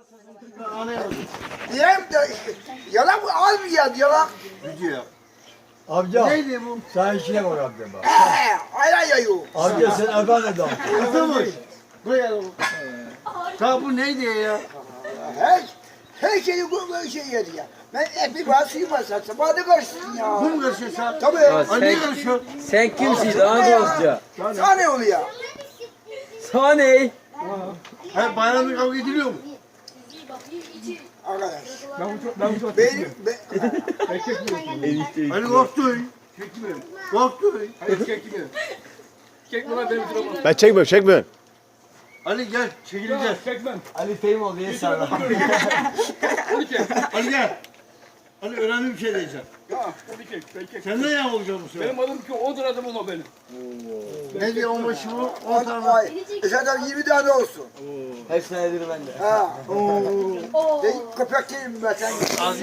Diyeyim de yalan mı? Az mı ya yalan? Gidiyor. Amca Neydi bu? sen işine bak amca bak. Aynen yayıyor. Amca sen efendi adam. Kızılmış. Buraya da ta bu neydi ya? Her şeyi bu şey yedi ya. Ben hep bir bahsiyim var satsam. Hadi karışsın ya. Bu mu karışıyor sen? Tabii. Ali niye karışıyor? Sen kimsin daha dostça? Sana ne oluyor? Sana ne? Hayır bayramda kavga ediliyor mu? Arkadaş. Ben bu çok Benim... Ali korktu. Korktu. Hayır çekmiyor. Çekme benim sıramam. Ben çekmiyorum. Ali gel çekileceğiz. Çekmem. Ali Fehim ol diye sarla. Onu çek. Ali gel. Ali önemli bir şey diyeceğim. Ya onu çek. Ben çek. Sen ne ya olacaksın bu sefer? Benim adım ki 10 adım ama benim. Ne diyor o başı bu? 10 tane. Ay, zaten 20 tane olsun. Hepsine nedir bende. Ha. Köpek değilim ben sen.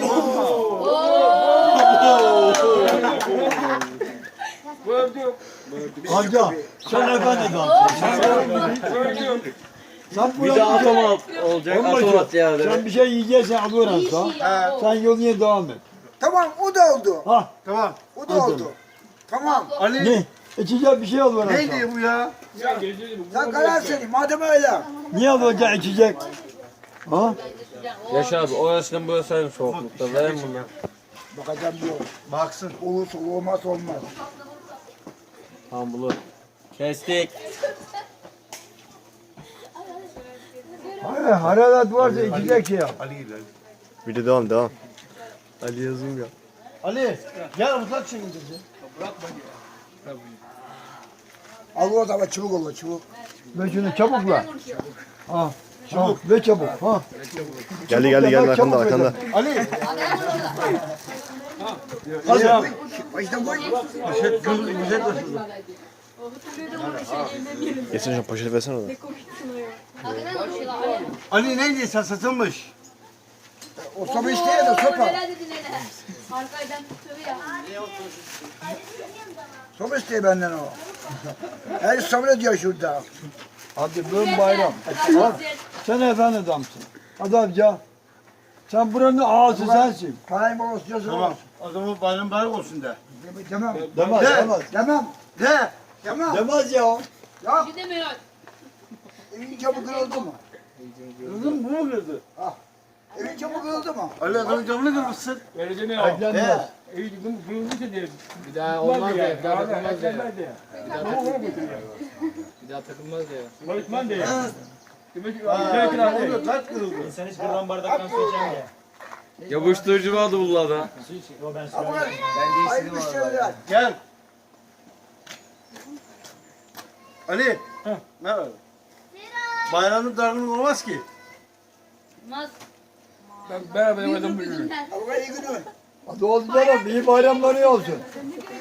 Bu öldü. Amca sen efendi adamsın. Öldü. Sen Bir de buraya atom olacak, atom at ya. sen bir şey yiyeceksin alıyorum sana. Sen yoluna devam et. Tamam o da oldu. Ha Tamam. O da oldu. Tamam. Ali ne? İçecek bir şey alıyorum sana. neydi bu ya? Sen geleceğim. Sen karar senin. Madem öyle. Niye alacaksın içecek? Ha? Yaşar abi orasından burası aynı soğuklukta. Verin bunu. Bakacağım diyor. Baksın. Olursa olmaz olmaz. Tamam bulur. Kestik. Hayır, hararet varsa içecek şey yap. Ali gel. Bir de devam. Ali yazım ya. Ali gel uzak çekileceğiz. Al o zaman çubuk olur çubuk. Ve şunu çabukla. Ha. Çabuk. Ve çabuk. Ha. Geldi arkanda. Ali. Hadi. Baştan koy. Poşet güzel taşıdı. Getir şu poşeti versene orada. Ali neydi sen satılmış? O sopa isteye de sopa. Arkaydan tutuyor ya. Sopa isteye benden o. Her sabrediyor şurada. Hadi bugün bayram. Bak, sen efendi adamsın. Hadi amca. Sen buranın ağası sensin. Parayım olsun diyorsun. Tamam. O zaman bayram bayram olsun de. Demem. Demez, Ne? demez. Demem. De. Demem. Demez ya. Ya Gidemiyor. evin camı kırıldı mı? Kızım bu mu kızdı? Evin camı kırıldı mı? Ali adamın camını kırmışsın. Vereceğim ya. Eklenmez. İyi dedim. Kırılmışsa diye. Bir daha olmaz ya. Bir daha takılmaz ya. Bir daha takılmaz ya. Barışman diye. Demek ki Oluyor kaç kırıldı? Sen hiç kırılan bardaktan su içen ya. Yapıştırıcı vardı bunlarda. Ama hayırlı müşteriler. Gel. Ali. Ne var? Bayramın dargınlık olmaz ki. Olmaz. ben beraber oynadım bu ürünü. Yüzünden. Allah'a iyi günü. Hadi oldu canım. İyi bayramları olsun.